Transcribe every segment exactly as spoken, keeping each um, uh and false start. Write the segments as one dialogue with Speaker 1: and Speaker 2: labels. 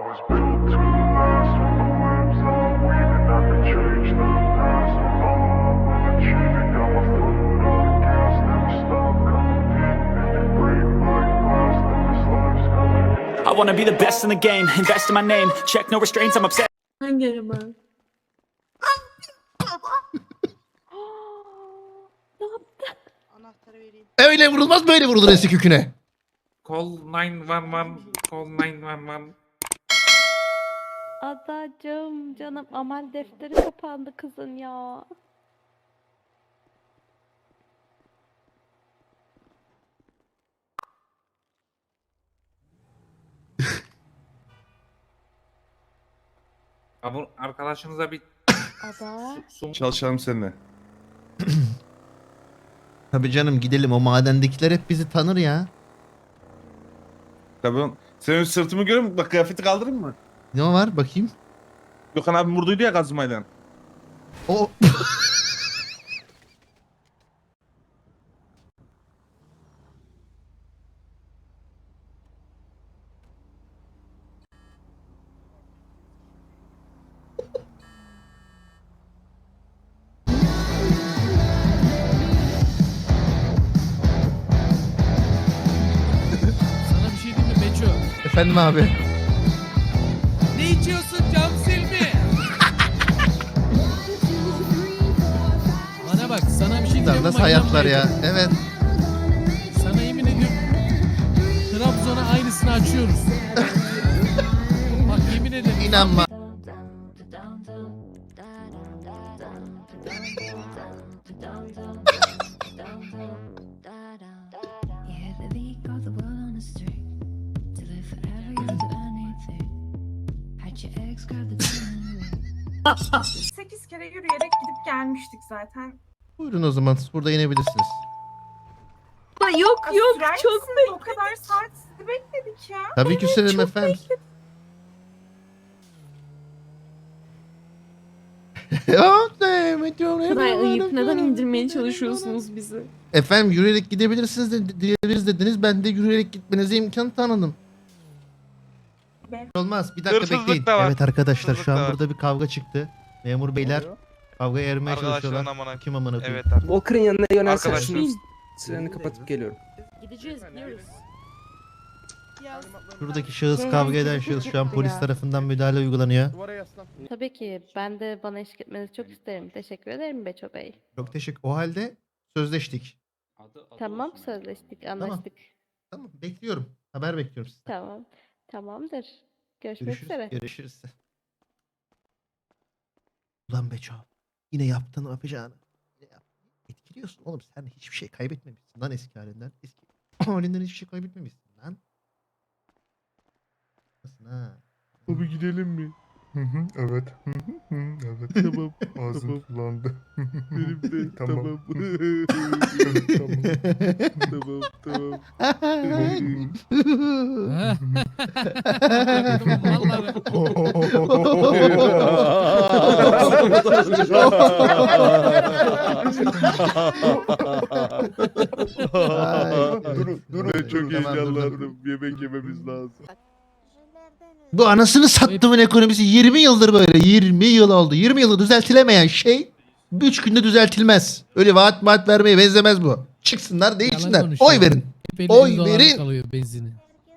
Speaker 1: was built to last with the webs I'm weaving. I could change the past, but all I will achieve it. Got my foot on the gas, never stop competing. If you break my glass, then this life's gonna end.
Speaker 2: I wanna be the best in the game, invest in my name, check no restraints, I'm obsessed.
Speaker 3: Hangi araba? Ne yaptı?
Speaker 4: Anahtarı vereyim.
Speaker 5: Öyle vurulmaz, böyle vurulur eski küküne.
Speaker 6: Call nine one one. Call nine one one.
Speaker 3: Adacığım canım amel defteri kapandı kızın ya.
Speaker 6: Ya bu arkadaşınıza bir
Speaker 3: Ada.
Speaker 6: su
Speaker 7: Çalışalım seninle.
Speaker 5: Tabii canım, gidelim, o madendekiler hep bizi tanır ya.
Speaker 7: Tabii oğlum. Senin sırtımı görüyor musun? Bak kıyafeti kaldırayım mı?
Speaker 5: Ne var bakayım?
Speaker 7: Gökhan abi vurduydu ya kazmayla.
Speaker 5: O
Speaker 8: Sana bir şey diyeyim mi Beço?
Speaker 5: efendim abi.
Speaker 8: Ne içiyorsun cam silmi? Bana bak sana bir şey diyeyim mi?
Speaker 5: Nasıl hayatlar ya? Evet.
Speaker 8: Sana yemin ediyorum Trabzon'a aynısını açıyoruz. Bak yemin ederim.
Speaker 5: İnanma.
Speaker 4: sekiz kere yürüyerek gidip gelmiştik zaten.
Speaker 5: Buyurun o zaman, siz burada inebilirsiniz.
Speaker 3: Da yok
Speaker 4: Ya
Speaker 3: yok
Speaker 4: sürer
Speaker 3: çok
Speaker 4: misiniz? O kadar saat sizi bekledik ya.
Speaker 5: Tabii ki sürerim efendim.
Speaker 3: kadar ayıp. Neden indirmeye çalışıyorsunuz bizi?
Speaker 5: Efendim yürüyerek gidebilirsiniz de, diyebiliriz dediniz. Ben de yürüyerek gitmenize imkan tanıdım.
Speaker 4: Ben-
Speaker 5: Olmaz. Bir dakika
Speaker 9: Hırsızlık
Speaker 5: bekleyin.
Speaker 9: da var.
Speaker 5: Evet arkadaşlar, şu
Speaker 9: Hırsızlık da
Speaker 5: an
Speaker 9: var.
Speaker 5: burada bir kavga çıktı. Memur beyler kavgaya ayırmaya
Speaker 9: Arkadaşların
Speaker 5: çalışıyorlar.
Speaker 9: amına.
Speaker 5: Kim amına koyayım?
Speaker 9: Evet abi.
Speaker 10: Walker'ın yanına yönelsen
Speaker 9: Arkadaşlar.
Speaker 10: şunu sireni kapatıp geliyorum.
Speaker 3: Gideceğiz biliyoruz.
Speaker 5: Şuradaki şahıs, kavga eden şahıs şu an polis tarafından müdahale uygulanıyor.
Speaker 3: Tabii ki ben de bana eşlik etmenizi çok isterim. Teşekkür ederim Beço Bey.
Speaker 5: Çok teşekkür. O halde sözleştik.
Speaker 3: Tamam sözleştik anlaştık.
Speaker 5: Tamam, bekliyorum. Haber bekliyorum sizden.
Speaker 3: Tamam. Tamamdır. Görüşmek
Speaker 5: Görüşürüz.
Speaker 3: üzere.
Speaker 5: Görüşürüz. Ulan Beço. Yine yaptın o yapacağını. Yine yaptın. Etkiliyorsun oğlum. Sen hiçbir şey kaybetmemişsin lan eski halinden. Eski halinden hiçbir şey kaybetmemişsin lan. Nasılsın ha?
Speaker 7: Abi gidelim mi? Hı hı, evet. Hı hı, hı, evet. Tamam. Ağzım kullandı. Benim de. Tamam. Tamam. Tamam. Tamam.
Speaker 5: Ay.
Speaker 7: Durun, durun. Ben çok
Speaker 5: Tamam, dur, dur.
Speaker 7: heyecanlandım. Yemek yememiz lazım.
Speaker 5: Bu anasını sattımın ekonomisi yirmi yıldır böyle. yirmi yıl oldu. yirmi yılı düzeltilemeyen şey üç günde düzeltilmez. Öyle vaat vaat vermeye benzemez bu. Çıksınlar, değişsinler.
Speaker 8: konuşuyor.
Speaker 5: Oy verin.
Speaker 8: Hep
Speaker 5: Oy
Speaker 8: elli dolarlık
Speaker 5: verin.
Speaker 8: alıyor benzini.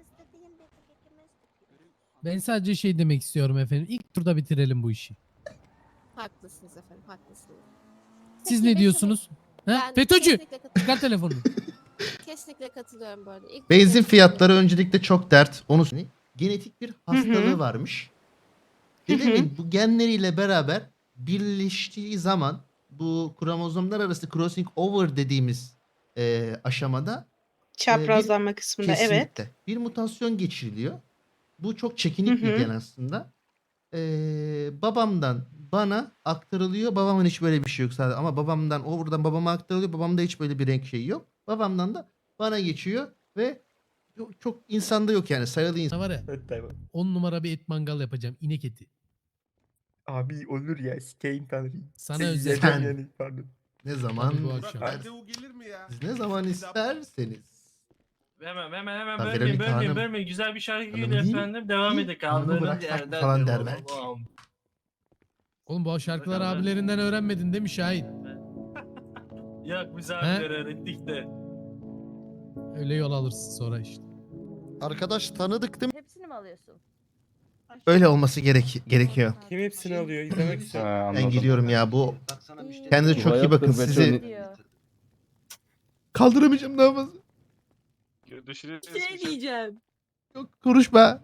Speaker 8: Ben sadece şey demek istiyorum efendim. İlk turda bitirelim bu işi.
Speaker 4: Haklısınız efendim, haklısınız.
Speaker 8: Siz
Speaker 4: Peki,
Speaker 8: ne diyorsunuz? Ha?
Speaker 4: Ben
Speaker 8: FETÖ'cü!
Speaker 4: kesinlikle katılıyorum.
Speaker 8: Çıkar telefonunu.
Speaker 4: Kesinlikle katılıyorum böyle. İlk
Speaker 5: Benzin
Speaker 4: turda-
Speaker 5: fiyatları öncelikle çok dert. Onu söyleyeyim. Genetik bir hastalığı
Speaker 3: hı.
Speaker 5: varmış. Dedemin bu genleriyle beraber birleştiği zaman bu kromozomlar arası crossing over dediğimiz e, aşamada
Speaker 4: Çaprazlanma kısmında evet.
Speaker 5: kesinlikle bir mutasyon geçiriliyor. Bu çok çekinik
Speaker 4: Hı hı.
Speaker 5: bir gen aslında. Ee, babamdan bana aktarılıyor. Babamın hiç böyle bir şey yok sadece. Ama babamdan o buradan babama aktarılıyor. Babamda hiç böyle bir renk şeyi yok. Babamdan da bana geçiyor ve çok, çok insanda yok yani, sayılı insan.
Speaker 8: Var ya on numara bir et mangal yapacağım. İnek eti.
Speaker 7: Abi olur ya. Sikeyim tanrıyı.
Speaker 8: Sana özel.
Speaker 5: Sen-
Speaker 7: yani. Pardon.
Speaker 5: Ne zaman
Speaker 8: Tabii bu akşam.
Speaker 5: isterseniz. Siz ne zaman isterseniz.
Speaker 6: Hemen hemen hemen
Speaker 5: Ha,
Speaker 6: bölmeyin
Speaker 5: Veronica
Speaker 6: bölmeyin
Speaker 5: Hanım.
Speaker 6: bölmeyin. Güzel bir şarkıyla
Speaker 5: Hanım değil.
Speaker 6: efendim. Devam
Speaker 5: Değil.
Speaker 6: edin.
Speaker 5: Hanımı
Speaker 6: Kaldığınız
Speaker 5: bıraksak mı
Speaker 6: yerden
Speaker 5: falan
Speaker 6: devam.
Speaker 5: der belki.
Speaker 6: Allah'ım.
Speaker 8: Oğlum bu şarkıları
Speaker 6: Bakalım.
Speaker 8: abilerinden öğrenmedin değil mi Şahin?
Speaker 6: Yok biz abiler öğrettik de.
Speaker 8: Öyle yol alırsın sonra işte.
Speaker 5: Arkadaş tanıdık değil mi?
Speaker 3: Hepsini mi alıyorsun?
Speaker 5: Öyle olması gerek gerekiyor.
Speaker 10: Kim hepsini alıyor? İzlemek istiyorum.
Speaker 5: Ben gidiyorum ya bu.
Speaker 3: İyi.
Speaker 5: Kendinize çok iyi bakın. Sizi
Speaker 3: Diyor.
Speaker 5: kaldıramayacağım daha fazla.
Speaker 9: Şey diyeceğim.
Speaker 5: Yok konuşma.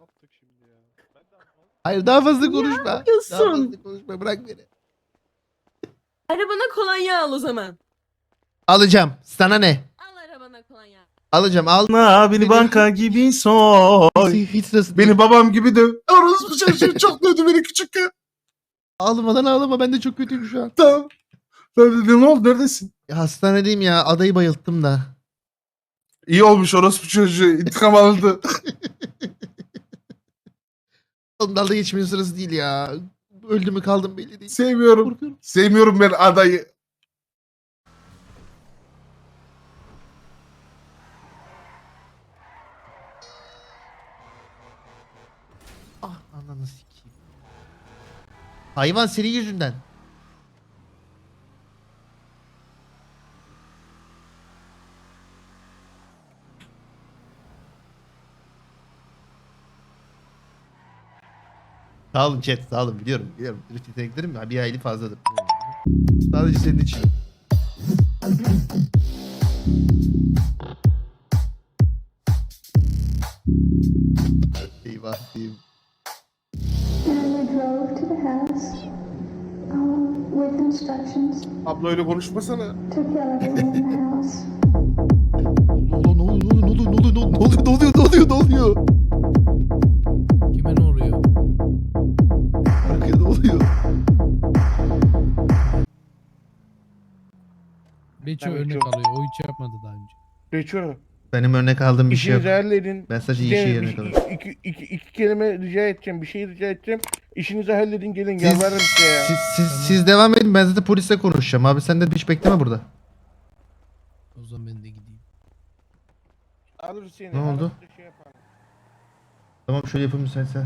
Speaker 5: Hayır daha fazla konuşma. Daha
Speaker 9: yapıyorsun?
Speaker 5: fazla konuşma bırak beni.
Speaker 9: Arabana kolonya al o zaman.
Speaker 5: Alacağım. Sana ne?
Speaker 9: Al arabana kolonya.
Speaker 5: Alacağım. Al.
Speaker 7: Beni banka gibi soy.
Speaker 5: Hiç, hiç sırası değil.
Speaker 7: Beni babam gibi döv. Orospu çocuğu çok dövdü beni küçükken.
Speaker 5: Ağlamadan ağlama ben de çok kötüyüm şu an.
Speaker 7: Tamam. Ben dedim, ne oldu, neredesin?
Speaker 5: Ya, hastanedeyim ya adayı bayılttım da.
Speaker 7: İyi olmuş, orospu çocuğu intikam aldı.
Speaker 5: Oğlum dalga geçmenin sırası değil ya. Öldü mü kaldım belli değil.
Speaker 7: Sevmiyorum.
Speaker 5: Korkuyorum.
Speaker 7: Sevmiyorum ben adayı.
Speaker 5: Ah ananı sikeyim. Hayvan senin yüzünden. Sağ olun chat sağ olun biliyorum biliyorum. Drift yeteneklerim ya bir aylık fazladır. Sadece senin için. Eyvah diyeyim.
Speaker 1: And we drove to the house um, with instructions
Speaker 7: Abla öyle konuşmasana.
Speaker 1: to kill everyone in the house.
Speaker 5: Ne oluyor ne oluyor ne oluyor ne oluyor ne oluyor ne oluyor ne oluyor?
Speaker 8: Kime ne oluyor?
Speaker 5: Arkaya ne oluyor?
Speaker 8: Beço
Speaker 7: Ben
Speaker 8: örnek
Speaker 7: Beço.
Speaker 8: alıyor. O hiç yapmadı daha önce.
Speaker 7: Geçiyorum.
Speaker 5: Benim örnek aldığım bir şey yok.
Speaker 7: İşinizi halledin.
Speaker 5: Ben sadece iyi
Speaker 7: Bir-
Speaker 5: şey
Speaker 7: bir-
Speaker 5: yerine kalıyorum.
Speaker 7: iki, iki, iki, iki kelime rica edeceğim. Bir şey rica edeceğim. İşinizi halledin, gelin.
Speaker 5: Siz,
Speaker 7: Yalvarırım size ya.
Speaker 5: siz, siz, siz devam edin ben zaten polisle konuşacağım abi sen de hiç bekleme burada.
Speaker 8: O zaman ben de gideyim.
Speaker 7: Alır seni.
Speaker 5: Ne oldu?
Speaker 7: alır, şey yapar.
Speaker 5: Tamam şöyle yapayım müsaitsen.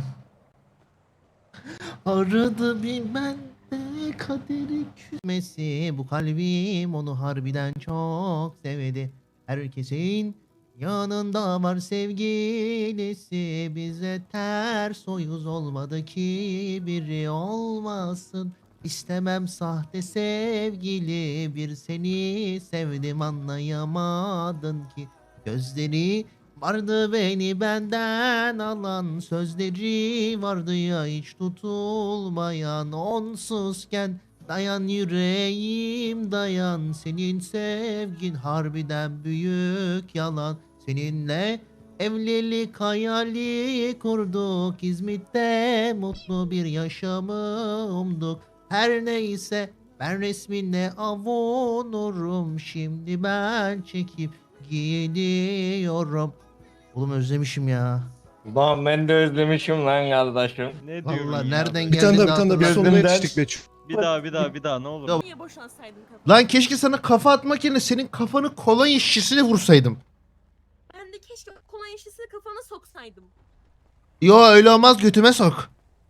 Speaker 5: Aradı bir bende kaderi küsmesi. Bu kalbim onu harbiden çok sevdi. Herkesin yanında var sevgilisi. Bize ters o yüz olmadı ki biri olmasın. İstemem sahte sevgili. Bir seni sevdim anlayamadın ki. Gözleri vardı beni benden alan, sözleri vardı ya hiç tutulmayan. Onsuzken dayan yüreğim dayan, senin sevgin harbiden büyük yalan. Seninle evlilik hayali kurduk, İzmit'te mutlu bir yaşamı umduk. Her neyse ben resminle avunurum, şimdi ben çekip gidiyorum. Oğlum özlemişim ya.
Speaker 6: Lan ben de özlemişim lan kardeşim.
Speaker 11: Ne
Speaker 5: Vallahi nereden
Speaker 7: Bir tane
Speaker 5: geldi
Speaker 7: daha, bir tane daha. Bir sonuna
Speaker 6: Gözümden-
Speaker 7: yetiştik Beço.
Speaker 11: Bir daha bir daha bir daha ne olur.
Speaker 5: Ya-
Speaker 9: Niye boşansaydın kapıyı?
Speaker 5: Lan keşke sana kafa atmak yerine senin kafanı kolay işçisine vursaydım.
Speaker 9: Ben de keşke kolonya şişesini kafana soksaydım.
Speaker 5: Yo öyle olmaz götüme sok.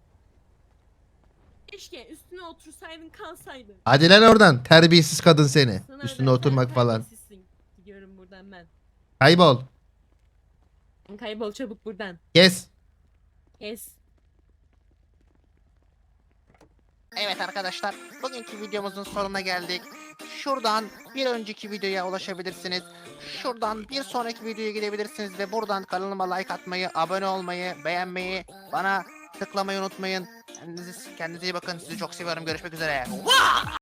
Speaker 9: Keşke üstüne otursaydın kalsaydın.
Speaker 5: Hadi lan oradan terbiyesiz kadın seni.
Speaker 9: Sana
Speaker 5: Üstüne
Speaker 9: özel,
Speaker 5: oturmak
Speaker 9: sen
Speaker 5: falan.
Speaker 9: terbiyesizsin. Gidiyorum buradan ben.
Speaker 5: Kaybol.
Speaker 9: Kaybol çabuk buradan.
Speaker 5: Kes.
Speaker 9: Kes.
Speaker 12: Evet arkadaşlar, bugünkü videomuzun sonuna geldik. Şuradan bir önceki videoya ulaşabilirsiniz. Şuradan bir sonraki videoya gidebilirsiniz ve buradan kanalıma like atmayı, abone olmayı, beğenmeyi, bana tıklamayı unutmayın. Kendinize, kendinize iyi bakın. Sizi çok seviyorum. Görüşmek üzere.